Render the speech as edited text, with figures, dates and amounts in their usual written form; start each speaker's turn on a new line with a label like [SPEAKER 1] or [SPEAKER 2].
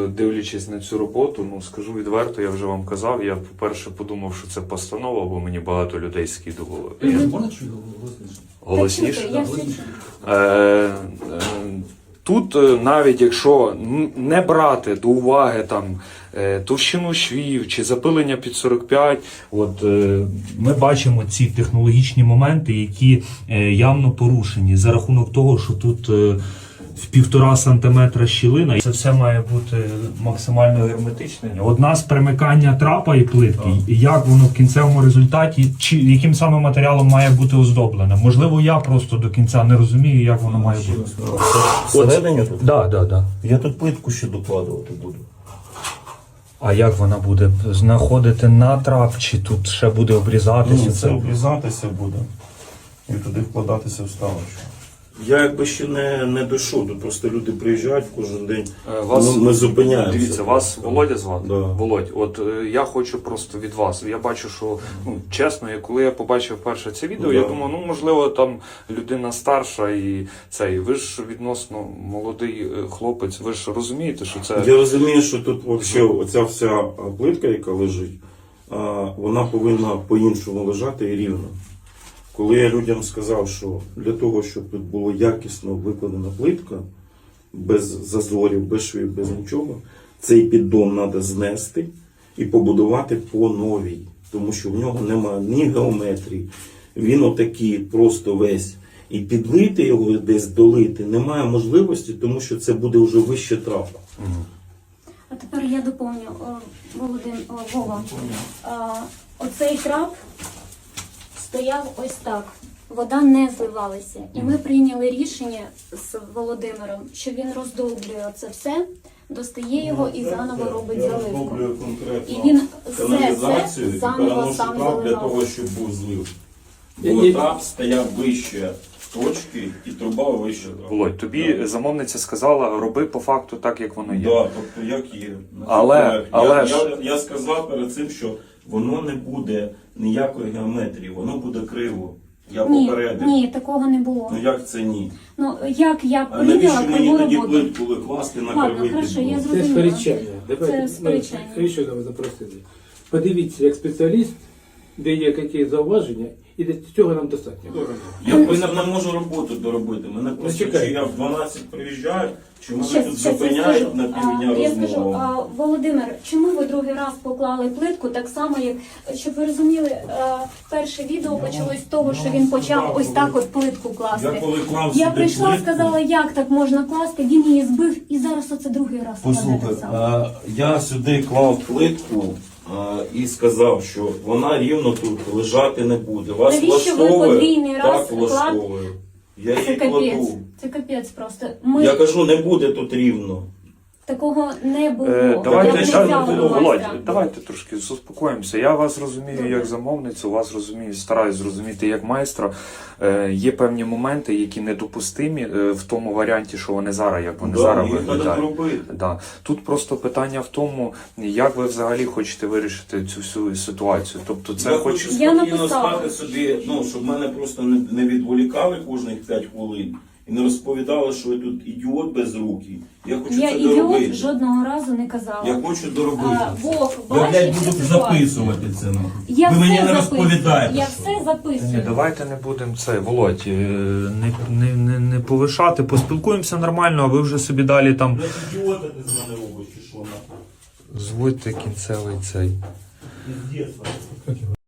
[SPEAKER 1] дивлячись на цю роботу, ну скажу відверто, я вже вам казав, я по-перше подумав, що це постанова, бо мені багато людей скидувало.
[SPEAKER 2] Можна чути голосніше?
[SPEAKER 1] Голосніше? Тут навіть якщо не брати до уваги там товщину швів чи запилення під 45, ми бачимо ці технологічні моменти, які явно порушені за рахунок того, що тут в 1,5 сантиметра щілина, і це все має бути максимально герметичне. Одна з примикання трапа і плитки, і як воно в кінцевому результаті, чи яким саме матеріалом має бути оздоблене. Можливо, я просто до кінця не розумію, як воно має бути.
[SPEAKER 3] Всередині тут?
[SPEAKER 1] Да.
[SPEAKER 3] Я тут плитку ще докладувати буду.
[SPEAKER 1] А як вона буде? Знаходити на трап, чи тут ще буде обрізатися?
[SPEAKER 3] Ні, це обрізатися буде і туди вкладатися вставочку. Я якби ще не дійшов, тут просто люди приїжджають кожен день, ми зупиняємося.
[SPEAKER 1] Дивіться, вас Володя звати?
[SPEAKER 3] Да.
[SPEAKER 1] Володь, от я хочу просто від вас, я бачу, що, чесно, коли я побачив перше це відео, я думав, можливо, там людина старша і цей, ви ж відносно молодий хлопець, ви ж розумієте, що це...
[SPEAKER 3] Я розумію, що тут взагалі оця вся плитка, яка лежить, вона повинна по-іншому лежати і рівно. Коли я людям сказав, що для того, щоб тут було якісно викладена плитка, без зазорів, без швів, без нічого, цей піддон треба знести і побудувати по новій. Тому що в нього немає ні геометрії, він отакий просто весь. І підлити його десь, долити немає можливості, тому що це буде вже вище трапа.
[SPEAKER 4] А тепер я доповню, Вова. Оцей трап стояв ось так. Вода не зливалася. І ми прийняли рішення з Володимиром, що він роздовблює це все, достає його і заново робить заливку. І він все це заново сам заливав.
[SPEAKER 3] Для того, щоб був злив. Бо трап стояв вище точки і труба вище трапа.
[SPEAKER 1] Володь, тобі замовниця сказала, роби по факту так, як воно є.
[SPEAKER 3] Так, тобто як є. Я сказав перед цим, що воно не буде ніякої геометрії, воно буде криво. Я попередив.
[SPEAKER 4] Ні, такого не було.
[SPEAKER 3] Ну як це ні?
[SPEAKER 4] Ну як я
[SPEAKER 3] А навіщо
[SPEAKER 4] прийняла
[SPEAKER 3] мені
[SPEAKER 4] криву
[SPEAKER 3] тоді
[SPEAKER 4] роботу?
[SPEAKER 3] плитку викласти на кривий
[SPEAKER 4] хорошо, я
[SPEAKER 3] підбор?
[SPEAKER 2] Це
[SPEAKER 4] зрозуміла.
[SPEAKER 2] сперечання.
[SPEAKER 4] Це сперечання.
[SPEAKER 2] Навіщо ви запросили? Подивіться, як спеціаліст, де є які зауваження, і для цього нам достатньо.
[SPEAKER 3] Я просто не можу роботу доробити. Мене просто чи я в 12 приїжджаю, чи мене тут зупиняють на півдня
[SPEAKER 4] Я скажу,
[SPEAKER 3] розмову.
[SPEAKER 4] Володимир, чому ви другий раз поклали плитку так само, як, щоб ви розуміли, перше відео почалось з того, що він почав ось так от плитку класти.
[SPEAKER 3] Я коли клав
[SPEAKER 4] Я
[SPEAKER 3] сюди
[SPEAKER 4] прийшла,
[SPEAKER 3] плитку,
[SPEAKER 4] сказала, як так можна класти, він її збив і зараз оце другий раз.
[SPEAKER 3] послухай, я сюди клав плитку і сказав, що вона рівно тут лежати не буде. Вас
[SPEAKER 4] Навіщо ви
[SPEAKER 3] влаштовує?
[SPEAKER 4] подвійний раз
[SPEAKER 3] Так влаштовує. Я
[SPEAKER 4] Це
[SPEAKER 3] її
[SPEAKER 4] капець.
[SPEAKER 3] кладу.
[SPEAKER 4] Це капець просто.
[SPEAKER 3] Я кажу, не буде тут рівно.
[SPEAKER 4] Такого не було.
[SPEAKER 1] Давайте трошки заспокоїмося. Я вас розумію як замовницю, вас розумію, стараюсь зрозуміти як майстра. Є певні моменти, які недопустимі в тому варіанті, що вони зараз, як вони зараз виглядають. Да. Тут просто питання в тому, як ви взагалі хочете вирішити цю всю ситуацію. Тобто це
[SPEAKER 3] я хочу спокійно стати собі, щоб мене просто не відволікали кожних 5 хвилин. І не розповідали, що я тут ідіот безрукий. Я хочу це доробити.
[SPEAKER 4] Ідіот жодного разу не казала.
[SPEAKER 3] Я хочу доробити.
[SPEAKER 4] Вов,
[SPEAKER 3] Я, блядь, буду записувати це. Ви мені не розповідаєте.
[SPEAKER 4] Я все записую.
[SPEAKER 1] Ні, давайте не будемо це, Володь, не повишати, поспілкуємося нормально, а ви вже собі далі там...
[SPEAKER 3] Блядь, ідіота ти з мене робиш, чи що нахуй?
[SPEAKER 1] Зводьте кінцевий цей.
[SPEAKER 3] Пиздец, нахуй.